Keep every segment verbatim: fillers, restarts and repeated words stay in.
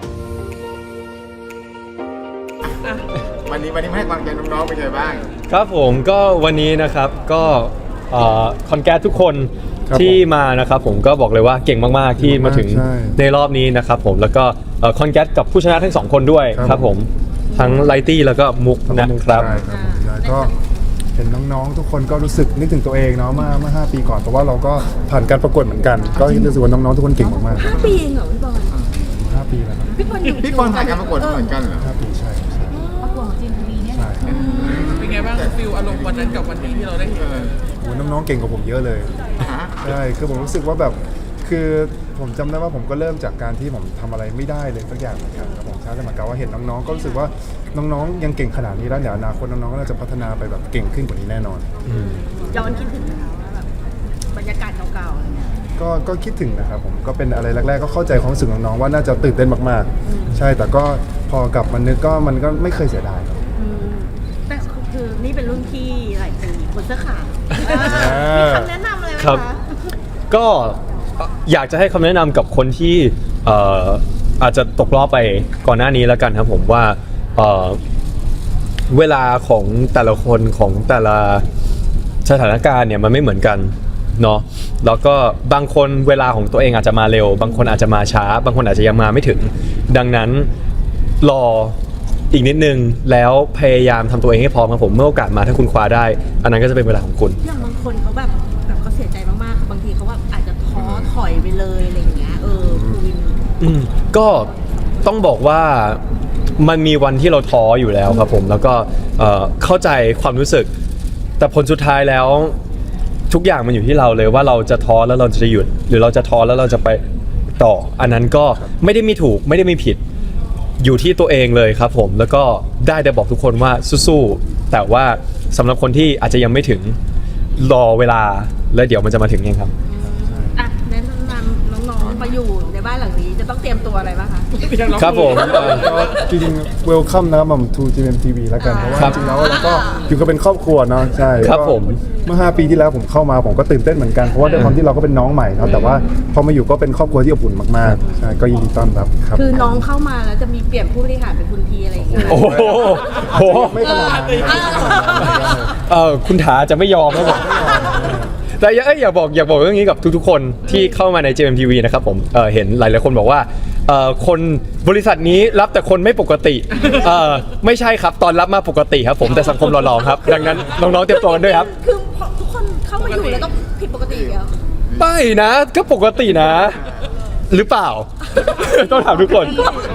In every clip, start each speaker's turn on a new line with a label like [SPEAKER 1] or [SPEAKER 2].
[SPEAKER 1] วันนี้วันนี้มาให้ความใจน้องๆเป็นไงบ้าง
[SPEAKER 2] ครับผมก็วันนี้นะครับก็คอนแกรสทุกคนที่มานะครับผมก็บอกเลยว่าเก่งมากๆที่มาถึงในรอบนี้นะครับผมแล้วก็คอนแกรสกับผู้ชนะทั้งสองคนด้วยครับผมทั้งไลตี้แล้วก็มุกนะครับ
[SPEAKER 3] ใช่ครับผมแล้วก็เห็นน้องๆทุกคนก็รู้สึกนึกถึงตัวเองเนาะเมื่อเมื่อห้าปีก่อนเพราะว่าเราก็ผ่านการประกวดเหมือนกันก็รู้สึกว่าน้องๆทุกคนเก่งมาก
[SPEAKER 4] ๆห้าปีเองเหรอพี่บอล
[SPEAKER 3] ห้าปีแล้วครับ
[SPEAKER 4] พี่บอลอยู่
[SPEAKER 1] พี่บอลผ่านการประกวดเหมือนกันเหรอ
[SPEAKER 3] ห้าปีใช่ใช่
[SPEAKER 4] ประกวดของจีนทีวีเนี่ย
[SPEAKER 5] เป็นไงบ้างฟิลอารมณ์วันนั้นกับวันนี้ที่เราได้เห็น
[SPEAKER 3] โอ้น้องๆเก่งกว่าผมเยอะเลยใช่คือผมรู้สึกว่าแบบคือผมจำได้ว่าผมก็เริ่มจากการที่ผมทำอะไรไม่ได้เลยสักอย่างเหมือนกันครับผมใช่แต่เหมือนกับว่าเห็นน้องๆก็รู้สึกว่าน้องๆยังเก่งขนาดนี้แล้วเดี๋ยวอนาคตน้องๆก็น่าจะพัฒนาไปแบบเก่งขึ้นกว่านี้แน่นอน
[SPEAKER 4] ย้อนคิดถึงนะคะว่าแบบบรรยากาศเก่าๆอะไรเงี้ย
[SPEAKER 3] ก็ก็คิดถึงนะครับผมก็เป็นอะไรแรกๆก็เข้าใจความรู้สึกน้องๆว่าน่าจะตื่นเต้นมากๆใช่แต่ก็พอกลับมานึกก็มันก็ไม่เคยเสียดายครับ
[SPEAKER 4] แต่คือนี่เป็นรุ่นพี่หลายปีคนเสื้อขาวมีคำแนะนำอะไรไหมคะ
[SPEAKER 2] ก็อยากจะให้คำแนะนำกับคนที่อาจจะตกรอบไปก่อนหน้านี้แล้วกันครับผมว่าเวลาของแต่ละคนของแต่ละสถานการณ์เนี่ยมันไม่เหมือนกันเนาะแล้วก็บางคนเวลาของตัวเองอาจจะมาเร็วบางคนอาจจะมาช้าบางคนอาจจะยังมาไม่ถึงดังนั้นรออีกนิดนึงแล้วพยายามทำตัวเองให้พร้อมครับผมเมื่อโอกาสมาถ้าคุณคว้าได้อันนั้นก็จะเป็นเวลาของคุณ
[SPEAKER 4] อย่างบางคนเขาแบบแบบเขาเสียใจมากๆบางทีเขาแบบอาจจะท้อถอยไปเลยอะไรอย่างเงี้ยเออคุณวิน
[SPEAKER 2] ก็ต้องบอกว่ามันมีวันที่เราท้ออยู่แล้วครับผมแล้วก็เข้าใจความรู้สึกแต่ผลสุดท้ายแล้วทุกอย่างมันอยู่ที่เราเลยว่าเราจะท้อแล้วเราจะหยุดหรือเราจะท้อแล้วเราจะไปต่ออันนั้นก็ไม่ได้มีถูกไม่ได้มีผิดอยู่ที่ตัวเองเลยครับผมแล้วก็ได้แต่บอกทุกคนว่าสู้ๆแต่ว่าสำหรับคนที่อาจจะยังไม่ถึงรอเวลาแล้วเดี๋ยวมันจะมาถึงเองครับ
[SPEAKER 4] อ่ะแนะนำน้องๆมาอยู่ในบ้านหลังนี้จะต้องเตรียมตัวอะไรบ้างคะ
[SPEAKER 2] ครับผม
[SPEAKER 3] จริงๆ welcome นะครับผม to จี เอ็ม ที วี แล้วกันเพราะว่าจริงๆแล้วเราก็อยู่กันเป็นครอบครัวเนาะใช่
[SPEAKER 2] ครับผม
[SPEAKER 3] เมื่อห้าปีที่แล้วผมเข้ามาผมก็ตื่นเต้นเหมือนกันเพราะว่าด้วยความที่เราก็เป็นน้องใหม่เนาะแต่ว่าพอมาอยู่ก็เป็นครอบครัวที่อบอุ่นมากๆใช่ก็ยินดีต้อนรับครับ
[SPEAKER 4] คือน้องเข้ามาแล้วจะมีเปลี่ยนผู้บริหารเป็นคุณทีอะไรอย่างเงี้ย
[SPEAKER 2] โอ้โห
[SPEAKER 3] ไม่ขนาดนั้น
[SPEAKER 2] เออคุณถาจะไม่ยอมครับผมแต่อยากอยากบอกอยากบอกเรื่องนี้กับทุกๆคนที่เข้ามาใน จี เอ็ม ที วี นะครับผมเเห็นหลายๆคนบอกว่าคนบริษัทนี้รับแต่คนไม่ปกติไม่ใช่ครับตอนรับมาปกติครับผมแต่สังคมหล่อๆครับดังนั้นน้องๆเตรียมตัวกันด้วยครับ
[SPEAKER 4] คือทุกคนเข้ามาอยู่แล้วต้องผิดปกติเหรอ
[SPEAKER 2] ไม่นะก็ปกตินะหรือเปล่าต้องถามทุกคน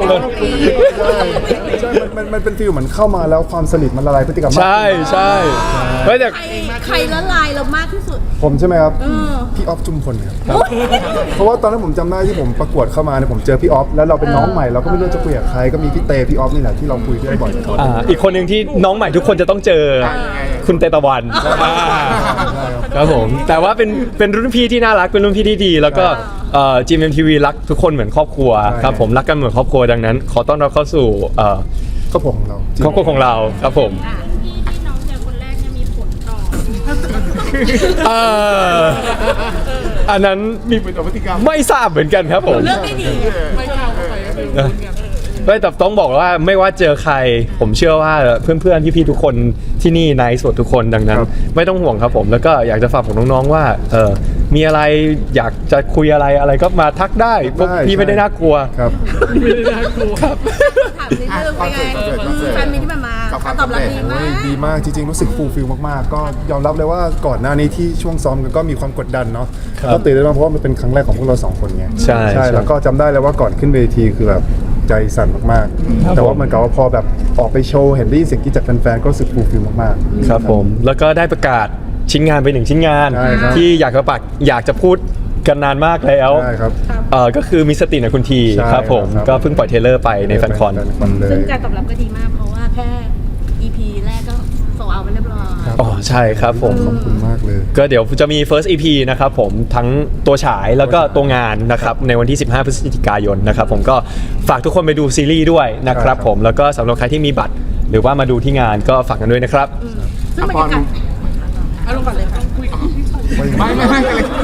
[SPEAKER 3] ใช่มันมันเป็นฟีลเหมือนเข้ามาแล้วความสนิทมันละลายพฤติกรรม
[SPEAKER 2] ใช่ใช่
[SPEAKER 4] ไม่แต่ใครละลายเรามากที่สุด
[SPEAKER 3] ผมใช่ไหมครับพี่ออฟจุมพลครับเพราะว่าตอนนั้นผมจำได้ที่ผมประกวดเข้ามาเนี่ยผมเจอพี่ออฟแล้วเราเป็นน้องใหม่เราก็ไม่รู้จะคุยกับใครก็มีพี่เตพี่ออฟนี่แหละที่เราคุยด้วยบ่อย
[SPEAKER 2] อ่าอีกคนหนึ่งที่น้องใหม่ทุกคนจะต้องเจอคุณเตตะวันครับผมแต่ว่าเป็นเป็นรุ่นพี่ที่น่ารักเป็นรุ่นพี่ที่ดีแล้วก็จี เอ็ม ที วี รักทุกคนเหมือนครอบครัวครับผมรักกันเหมือนครอบครัวดังนั้นขอต้อนรับเข้าสู่
[SPEAKER 3] ครอบครัวของเรา
[SPEAKER 2] ครอบครัวของเราครับผม
[SPEAKER 4] ที่ที่น้องเจอคนแรกจะมีผลต่อ
[SPEAKER 2] อันนั้น
[SPEAKER 1] มีผลต่อพฤติกรรม
[SPEAKER 2] ไม่ทราบเหมือนกันครับผม
[SPEAKER 4] เรื่องไม่ดี
[SPEAKER 5] ไม่เข้าไปก็เป็น
[SPEAKER 2] ไม่แต่ต้องบอกว่าไม่ว่าเจอใครผมเชื่อว่าเพื่อนๆพี่ๆทุกคนที่นี่ไนท์สดทุกคนดังนั้นไม่ต้องห่วงครับผมแล้วก็อยากจะฝากของน้องๆว่าเออมีอะไรอยากจะคุยอะไรอะไรก็มาทักได้พวกพี่ไม่ได้น่ากลัว
[SPEAKER 3] ครับ
[SPEAKER 5] ไม่ได้น่ากลัว
[SPEAKER 2] ครับ
[SPEAKER 4] ถามนิดนึงเป็นไงแฟนมิตรที่มาการตอบรับดีมาก
[SPEAKER 3] ดีมากจริงๆรู้สึกฟูลฟิลมากๆก็ยอมรับเลยว่าก่อนหน้านี้ที่ช่วงซ้อมกันก็มีความกดดันเนาะก็ตื่นเต้นมากเพราะว่ามันเป็นครั้งแรกของพวกเราสองคนไง
[SPEAKER 2] ใช่
[SPEAKER 3] ใช่แล้วก็จำได้เลยว่าก่อนขึ้นเวทีคือแบบใจสั่นมากๆแต่ว่ามันก็ว่าพอแบบออกไปโชว์เห็นได้ยินเสียงกรี๊ดจากแฟนๆก็รู้สึกฟูลฟิลมาก
[SPEAKER 2] ๆครับผมแล้วก็ได้ประกาศชิ้นงานไปหนึ่งชิ้นงานที่อยากจะปักอยากจะพูดกันนานมากแล้ว
[SPEAKER 3] ใช่ครับ
[SPEAKER 2] เอ่อก็คือมีสติในคุณทีครับผมก็เพิ่งปล่อยเทเลอร์ไปในแฟนคอน
[SPEAKER 4] ซึ่งการตอบรับก็ดีมากเพราะว่าแค่ อี พี แรกก็โซเอาไปเรียบร้อย
[SPEAKER 2] อ๋อใช่ครับผม
[SPEAKER 3] ขอบคุณมากเลย
[SPEAKER 2] ก็เดี๋ยวจะมี first อี พี นะครับผมทั้งตัวฉายแล้วก็ตัวงานนะครับในวันที่สิบห้าพฤศจิกายนนะครับผมก็ฝากทุกคนไปดูซีรีส์ด้วยนะครับผมแล้วก็สำหรับใครที่มีบัตรหรือว่ามาดูที่งานก็ฝากกันด้วยนะครับ
[SPEAKER 4] ซึ่งบรรยากาศ
[SPEAKER 5] อารมณ์แบบเลยค่ะคุยกับพี่
[SPEAKER 1] ไม่ไม่ไม่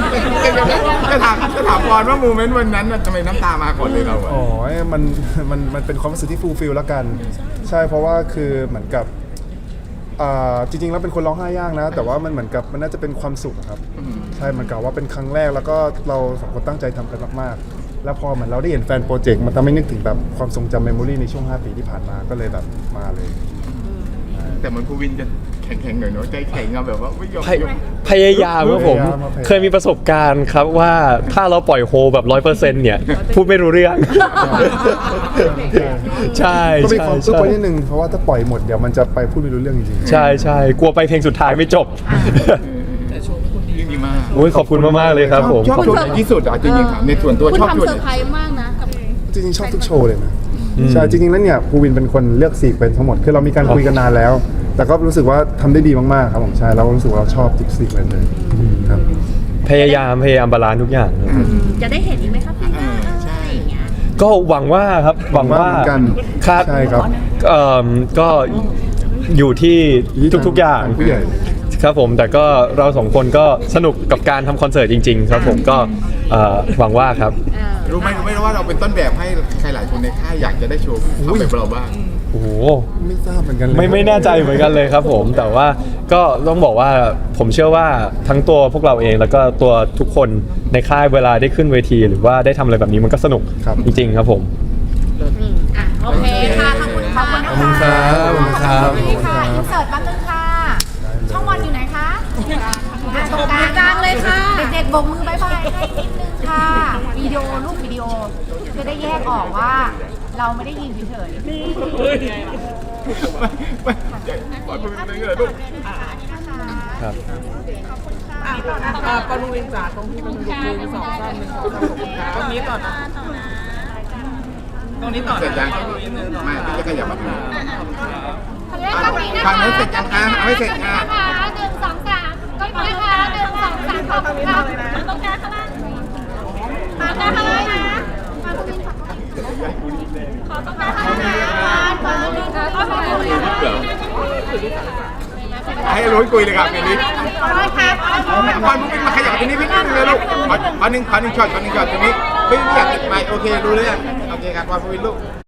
[SPEAKER 1] จะถามจะถามก่อนว่าโมเมนต์วันนั้นน่ะทำไมน้ำตามาก่อนเลยเราอะ
[SPEAKER 3] อ๋อมันมันมันเป็นความรู้สึกที่ฟูลฟิลแล้วกัน ใช่เพราะว่าคือเหมือนกับอ่าจริงๆแล้วเป็นคนร้องไห้ยากนะ แต่ว่ามันเหมือนกับมันน่าจะเป็นความสุขอะครับใช่มันกล่าวว่าเป็นครั้งแรกแล้วก็เราสองคนตั้งใจทำกันมากๆแล้วพอเหมือนเราได้เห็นแฟนโปรเจกต์มันทำให้นึกถึงแบบความทรงจำเมมโมรีในช่วงห้าปีที่ผ่านมาก็เลยแบบมาเลย
[SPEAKER 1] แต่เหมือนภูวินจะแข็งๆหน่อยเนาะใจแข็งอะแบบว่าไม่ยอม
[SPEAKER 2] พยพยายามครับผม
[SPEAKER 3] พยายามพยายาม
[SPEAKER 2] เคยมีประสบการณ์ครับว่าถ้าเราปล่อยโฮแบบร้อยเปอร์เซ็นต์เนี่ย พูดไม่รู้เรื่อง ใช่
[SPEAKER 3] ก็มี
[SPEAKER 2] ใช่
[SPEAKER 3] ความซุก
[SPEAKER 2] ใช่
[SPEAKER 3] ไว้นิดนึงเพราะว่าถ้าปล่อยหมดเดี๋ยวมันจะไปพูดไม่รู้เรื่องจริงๆ
[SPEAKER 2] ใช่ใช่กลัวไปเพลงสุดท้ายไม่จบ
[SPEAKER 5] แต่โชว์คุณดี
[SPEAKER 1] ดีมาก
[SPEAKER 2] โอ้ยขอบคุณมากๆเลยครับผม
[SPEAKER 1] ชอบ
[SPEAKER 2] ขอบ
[SPEAKER 1] โช
[SPEAKER 2] คุณ
[SPEAKER 1] ว์ไหนที่สุดอ่ะจริงๆถามในส่วนตัว
[SPEAKER 4] คุณ
[SPEAKER 1] ชอบโช
[SPEAKER 4] ทำ
[SPEAKER 1] ว์
[SPEAKER 4] เซ
[SPEAKER 1] ไห
[SPEAKER 4] อน ร์ไพรส์มากนะกับ
[SPEAKER 3] จริงๆชอบทุกโชว์เลยนะใช่จริงๆแล้วเนี่ยภูวินเป็นคนเลือกสีกเป็นทั้งหมดคือเรามีการคุยกันนานแล้ว แต่ก็รู้สึกว่าทำได้ดีมากๆครับผมใช่เรารู้สึกว่าเราชอบทุกสีกเลยเลยครับ
[SPEAKER 2] พยายามพยายามบาลานซ์ทุกอย่างครับ
[SPEAKER 4] จะได้เห็นอีกไหมครับพี่หน้าอะไรอย่างเงี้ย
[SPEAKER 2] ก็หวังว่าครับหวังว่า
[SPEAKER 3] หวังว่าเหมือนกัน
[SPEAKER 2] ครับ
[SPEAKER 3] ใช่ครับ
[SPEAKER 2] เอ่อก็อยู่ที่ทุกๆอย่าง
[SPEAKER 3] ผู้ใหญ่
[SPEAKER 2] ครับผมแต่ก็เราสองคนก็สนุกกับการทำคอนเสิร์ตจริง ๆ ครับผมก็เอ่อหวังว่าครับ
[SPEAKER 1] รู้ไหมรู้ไหมว่าเราเป็นต้นแบบให้ใครหลายคนในค่ายอยากจะได้โชว์ทำแบบเราบ้าง
[SPEAKER 2] โอ้โห
[SPEAKER 3] ไม่ทราบเหมือนกันเลย
[SPEAKER 2] ไม่ไม่แน่ใจเหมือนกันเลยครับผมแต่ว่าก็ต้องบอกว่าผมเชื่อว่าทั้งตัวพวกเราเองแล้วก็ตัวทุกคนในค่ายเวลาได้ขึ้นเวที หรือว่าได้ทำอะไรแบบนี้มันก็สนุก
[SPEAKER 3] ครับ
[SPEAKER 2] จริง ๆ ครับผม
[SPEAKER 4] อ่ะโอเคค่ะขอบคุณขอบคุณ
[SPEAKER 3] ขอบคุณครับขอบคุณครับ
[SPEAKER 6] นี่ค่ะอินเสิร์ตแป๊บนึงค่ะ ช่องวันอยู่ไหนคะอ่ะตรงกลาง
[SPEAKER 4] กลางเลยค่ะ
[SPEAKER 6] เด็กๆโบกมือบายบายให้นิดนึงค่ะ วิดีโอรูปวิดีโอจะได้แยกออกว่า เราไม่ได้ยินเฉยๆ
[SPEAKER 1] ไม่ไม่ปล่อยภูวินไปเลยลูก
[SPEAKER 2] ครับ
[SPEAKER 5] อ่าปารุเวนจ๋าตรงที่มันลุกหนึ่งสองสามหนึ่งสองสามขอบคุณครับตรงนี้ต่อนะตรงนี้ต่อ
[SPEAKER 1] เสร็จยัง
[SPEAKER 5] ปารุเวนหนึ่งสอง
[SPEAKER 1] ไม่พี่จะขยับมาดู
[SPEAKER 6] ขออนุญาตกล้องนี้นะคะ
[SPEAKER 1] ทางนั้นเสร็จยังคะเอาไม่เสร็จค่ะ
[SPEAKER 6] นะคะหนึ่งสองสามก็มาค่ะหนึ่งสองสามขอบคุณค่ะตรงกลางข้างล่างมาข้างล่างนะมาตรงนี้ค่ะขอตรงกลางข้างล่างนะขอตรงนี้ค่ะขอบคุณค่ะ
[SPEAKER 1] ให้รู้คุยเลยครับเดี๋ยวนี้
[SPEAKER 6] ขอโทษครับ
[SPEAKER 1] พอภูวินมาขยับตรงนี้พี่นิดนึงเลยลูกขอขอหนึ่งขอหนึ่งช็อตขอหนึ่งช็อตตรงนี้พี่อยากติดไมค์โอเครู้เรื่องโอเคครับพอภูวินลูก